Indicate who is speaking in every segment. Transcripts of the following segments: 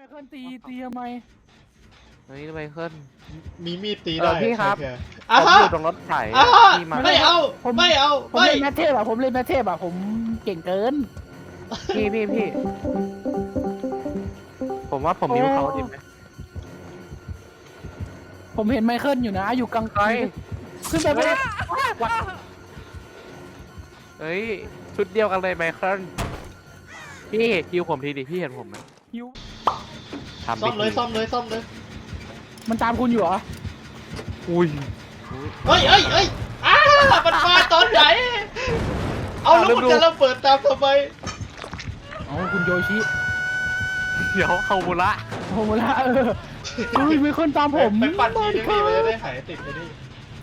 Speaker 1: เคิลตีทำไม
Speaker 2: เฮ้ยไมเคิล
Speaker 3: มีมีดตีได้
Speaker 2: พี่ครับ
Speaker 3: ผม
Speaker 2: อยู่ตรงรถไถพี่มา
Speaker 3: ไม่เอาไม่เอา
Speaker 1: ผม
Speaker 3: ไม่
Speaker 1: เล่นแมทเทพผมเล่นแมทเทพผมเก่งเกิน
Speaker 2: พี่ผมว่าผมนิ้วเขาดีไหม
Speaker 1: ผมเห็นไมเคิลอยู่นะอยู่กลางไกลขึ้นไปไม่ได้
Speaker 2: เฮ้ยชุดเดียวกันเลยไมเคิลพี่คิวผมทีดิพี่เห็นผมไหม
Speaker 1: หิว
Speaker 2: ทำ
Speaker 3: ซ่อมเลยซ่อมเลยซ่อมเลย
Speaker 1: มันตามคุณอยู่เหรอ
Speaker 2: อุ้ย
Speaker 3: เฮ้ยมันมาตอนไหนเอาแล้วมันจะระเบิดตามทำไม
Speaker 1: อ๋อคุณโยชิ
Speaker 2: เดี๋ยวเขาบุระ
Speaker 1: โอ้โหละอุ้ยไมเคิลตามผม
Speaker 3: ไปปั่นทีนึงดิมันจะได้หายติดไปดิ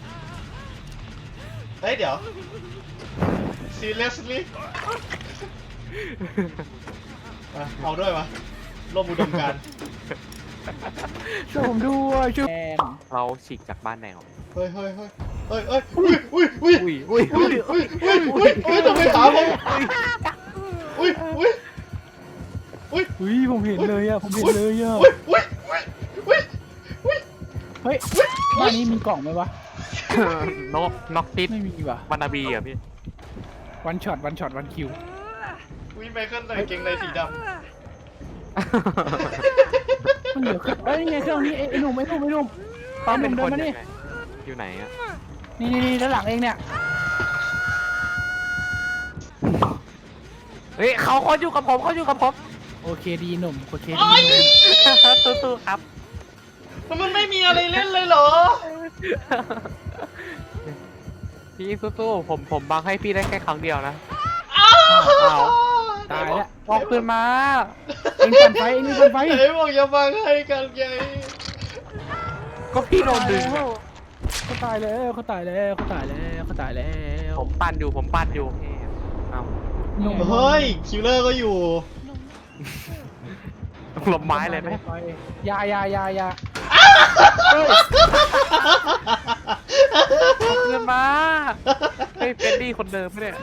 Speaker 3: เฮ้ยเดี๋ยว seriously เอาด้วยวะร่วมอุดมการณ์
Speaker 1: ช่วยผมด้วยช่วย
Speaker 2: เราฉีกจากบ้านแนว
Speaker 3: เฮ้ยอุ้ยทำไมขาผมอุ้ย
Speaker 1: อุ้ยผมเห็นเลยผมเห็นเลยเฮ้ยบ้านนี้มีกล่องไหมวะ
Speaker 2: นกติด
Speaker 1: ไม่มีว่ะ
Speaker 2: วานาบีอ่ะพี่
Speaker 1: วันช็อตวันคิว
Speaker 3: อุ้ยไมเคิลใส่กางเกงในสีดำ
Speaker 1: มันเหลือเอ้ยไงเครื่องนี้ไอ้หนุ่มตอนหนุ่มเดินมานี่
Speaker 2: อยู่ไหนอ่ะ
Speaker 1: นี่ด้านหลังเองเนี่ย
Speaker 2: เฮ้ยเขาอยู่กับผม
Speaker 1: โอเคดีหนุ่มโอเคดี
Speaker 2: สู้ๆครับ
Speaker 3: มันไม่มีอะไรเล่นเลยเหรอ
Speaker 2: พี่สู้ๆผมบังให้พี่ได้แค่ครั้งเดียวนะ
Speaker 1: ตายแล้ว
Speaker 2: ออกขึ้นมา
Speaker 1: เอ็งปั่นไฟ
Speaker 3: ไหนบอกอย่าบังให้กันไง
Speaker 2: ก็พี่โดนดึง
Speaker 1: เขาตายแล้วเขาตายแล้ว
Speaker 2: ผมปั่นอยู่เอา
Speaker 1: หนุ่ม
Speaker 3: เฮ้ยคิลเลอร์ก็อยู่
Speaker 2: หลบไม้เลยไหม
Speaker 1: ยา
Speaker 2: ขึ้นมาเฮ้ยเป็นดี้คนเดิมไหมเนี่ย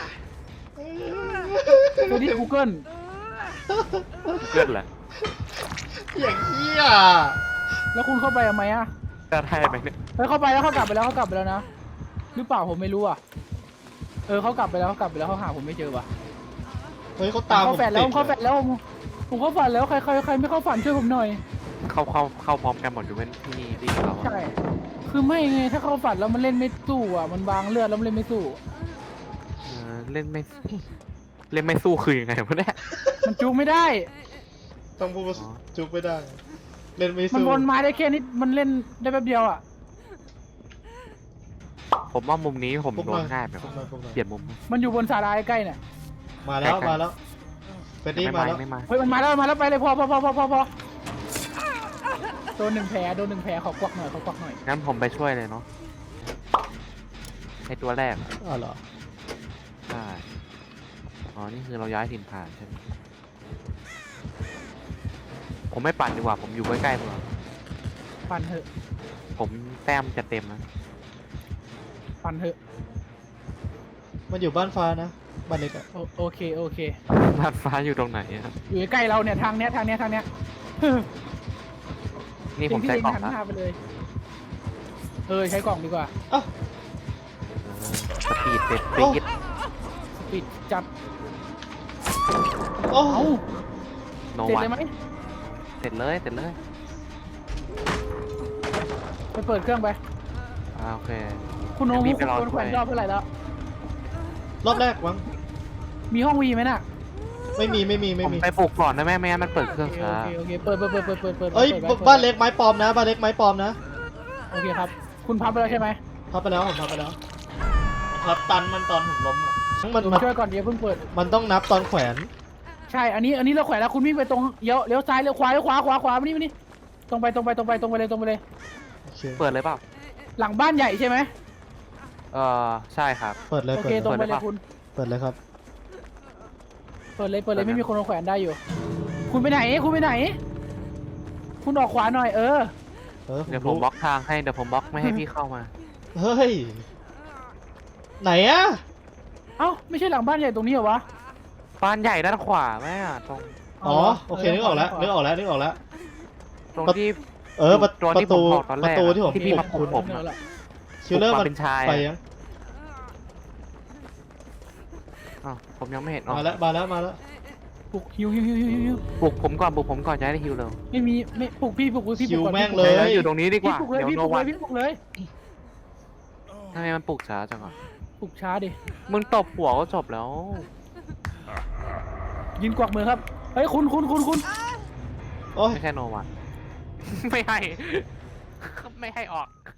Speaker 1: ตัวนี้ Google
Speaker 2: เกิดแหละ
Speaker 3: อย่างเหี้ย
Speaker 1: แล้วคุณเข้าไปทำไมอ่ะ
Speaker 2: จะไทยไหมเนี่ย
Speaker 1: เฮ้ยเข้าไปแล้วเขากลับไปแล้วนะหรือเปล่าผมไม่รู้อ่ะเขากลับไปแล้วเขาหาผมไม่เจอว่ะ
Speaker 3: เฮ้ยเขาตามผม
Speaker 1: เขาแฟนแล้วผมเข้าฝันแล้วใครไม่เข้าฝันช่วยผมหน่อย
Speaker 2: เข้าพร้อมกันหมดอยู่เป็นที่นี่ที่เขา
Speaker 1: ใช่คือไม่ไงถ้าเข้าฝันแล้วมันเล่นไม่สู้อ่ะมันวางเลือดแล้วมันเล่นไม่สู้
Speaker 2: เล่นไม่สู้คือยังไงวะเนี่ย
Speaker 1: มันจูงไม่ได้
Speaker 3: ต้องพูดจุกไม่ได้ เล่นไม่
Speaker 1: มัน
Speaker 3: สู้
Speaker 1: วนไม้ได้แค่นี้มันเล่นได้แป๊บเดียวอ่ะ
Speaker 2: ผมว่ามุมนี้ผม
Speaker 3: พวก
Speaker 2: โด
Speaker 3: มาน
Speaker 2: ง่ายแบบ
Speaker 3: พวกมาพวกมา
Speaker 2: เปลี่ยนมุม
Speaker 1: มันอยู่บนศาลาใกล้เนี่ย
Speaker 3: มาแล้วเฟรดดี้มาแล้ว
Speaker 2: ไม่มา
Speaker 1: เฮ้ยมันมาแล้วไปเลยพอโดนหนึ่งแผลขอกวักหน่อย
Speaker 2: งั้นผมไปช่วยเลยเนาะไอตัวแรก
Speaker 3: อ๋อเหรอ
Speaker 2: ใช่อ๋อนี่คือเราย้ายถิ่นฐานใช่ไหมผมไม่ปั่นดีกว่าผมอยู่ใกล้ๆเมือง
Speaker 1: ปั่นเถอะ
Speaker 2: ผมแต้มจะเต็มนะ
Speaker 3: มันอยู่บ้านฟ้านะบ้านเล็กอะ
Speaker 1: โอเค
Speaker 2: บ้านฟ้าอยู่ตรงไหนอะ
Speaker 1: อยู่ใกล้เราเนี่ยทางเนี้ย
Speaker 2: นี่ผมใช้กล่อง
Speaker 1: หัน
Speaker 2: นะ
Speaker 1: หน้าไปเลยใช้กล่องดีกว่า
Speaker 3: อ้าว
Speaker 2: สปีดเต็มปีด
Speaker 1: ปิดจัด
Speaker 3: โอ้
Speaker 1: เอ้า
Speaker 2: โน
Speaker 1: เสร็จ
Speaker 2: วัน
Speaker 1: เลยไหม
Speaker 2: เสร็จเลย
Speaker 1: ไปเปิดเครื่องไป
Speaker 2: โอเค
Speaker 1: คุณโน้
Speaker 2: เดี๋
Speaker 1: มุ
Speaker 2: ยว
Speaker 1: ก
Speaker 2: รีบไปรอ
Speaker 1: คุณแขวน
Speaker 2: ด้วย
Speaker 1: รอบเท่าไหร่แล้ว
Speaker 3: รอบแรกมั้ง
Speaker 1: มีห้องวีไหมน่ะ
Speaker 3: ไม่มี
Speaker 2: ผมไปปลูกก่อนนะแม่ไม่งั้นมันเปิดเครื่องช้า
Speaker 1: โอเคเปิด
Speaker 3: เอ้ยบ้านเล็กไม้ปลอมนะบ้านเล็กไม้ปลอมนะ
Speaker 1: โอเคครับ คุณพับไปแล้วใช่ไหม
Speaker 3: พับไปแล้วผมพับไปแล้วพับตันมันตอนผมล้มอะมัน
Speaker 1: ผมช่วยก่อนเดี๋ยวเพิ่งเปิด
Speaker 3: มันต้องนับตอนแขวน
Speaker 1: ใช่อันนี้เราแขวนแล้วคุณวิ่งไปตรงเลี้ยวซ้ายเลี้ยวขวามานี่ตรงไปเลย
Speaker 3: โอเค
Speaker 2: เปิดเลยเปล่า
Speaker 1: หลังบ้านใหญ่ใช่ไหม
Speaker 2: ใช่ครับ
Speaker 3: เปิดเลย
Speaker 1: โอ
Speaker 3: เปิ
Speaker 1: เค
Speaker 3: ด
Speaker 1: ตรง
Speaker 3: เลย
Speaker 1: ไปเลยคุณ
Speaker 3: เปิดเลยครับ
Speaker 1: เปิดเลยไม่มีคนมาแขวนได้อยู่ คุณไปไหน คุณออกขวาหน่อย
Speaker 2: เดี๋ยวผมบล็อกทางให้เดี๋ยวผมบล็อกไม่ให้พี่เข้ามา
Speaker 3: เฮ้ยไหนอะ
Speaker 1: เอ้าไม่ใช่หลังบ้านใหญ่ตรงนี้เหรอวะ
Speaker 2: บ้านใหญ่ด้านขวาแม่ตรง
Speaker 3: อ๋อโอเคนึกออกแล้วนึกออกแล้วนึกออกแล้ว
Speaker 2: ตรงที่
Speaker 3: ประ
Speaker 2: ตรงที่
Speaker 3: ตู
Speaker 2: ผมบอกตอน
Speaker 3: ป
Speaker 2: แรก
Speaker 3: ระตูที่ผม
Speaker 2: ที่พี่มาปลุกผม
Speaker 1: เอาละ
Speaker 3: คิลเลอร์
Speaker 2: ปลุก
Speaker 3: มั
Speaker 2: มาน เป็นชาย
Speaker 3: ไปยัง
Speaker 2: อ้าวผมยังไม่เห็นอ๋อ
Speaker 3: มาแล้วมาแล้วมาแล้ว
Speaker 1: ปลุกฮิว
Speaker 2: ปลุกผมก่อนปลุกผมก่อนจะได้ฮิวเร็ว
Speaker 1: ไม่มีไม่ปลุกพี่ปลุกพี่
Speaker 3: คิว
Speaker 1: ปลุกก่อน
Speaker 3: แม่ง
Speaker 1: พี่
Speaker 3: เล
Speaker 1: ปก
Speaker 2: ดี๋ว
Speaker 3: ย
Speaker 2: อยู่ตรงนี้ดีก
Speaker 1: พี่
Speaker 2: ว่า
Speaker 1: ปลุกเลย
Speaker 2: เดี๋ยว
Speaker 1: พี่
Speaker 2: โน
Speaker 1: ปลุกเล
Speaker 2: วั
Speaker 1: ย
Speaker 2: น
Speaker 1: พี่ปลุกเลย
Speaker 2: ทำไมมันปลุกช้าจังอ่ะ
Speaker 1: ปลุกช้าดิ
Speaker 2: มึงตบหัวก็จบแล้ว
Speaker 1: ยืนกวักมือครับเฮ้ยคุณ
Speaker 3: โอ้ย
Speaker 2: ไม่ใช่โนวัน ไม่ให้ ไม่ให้ออก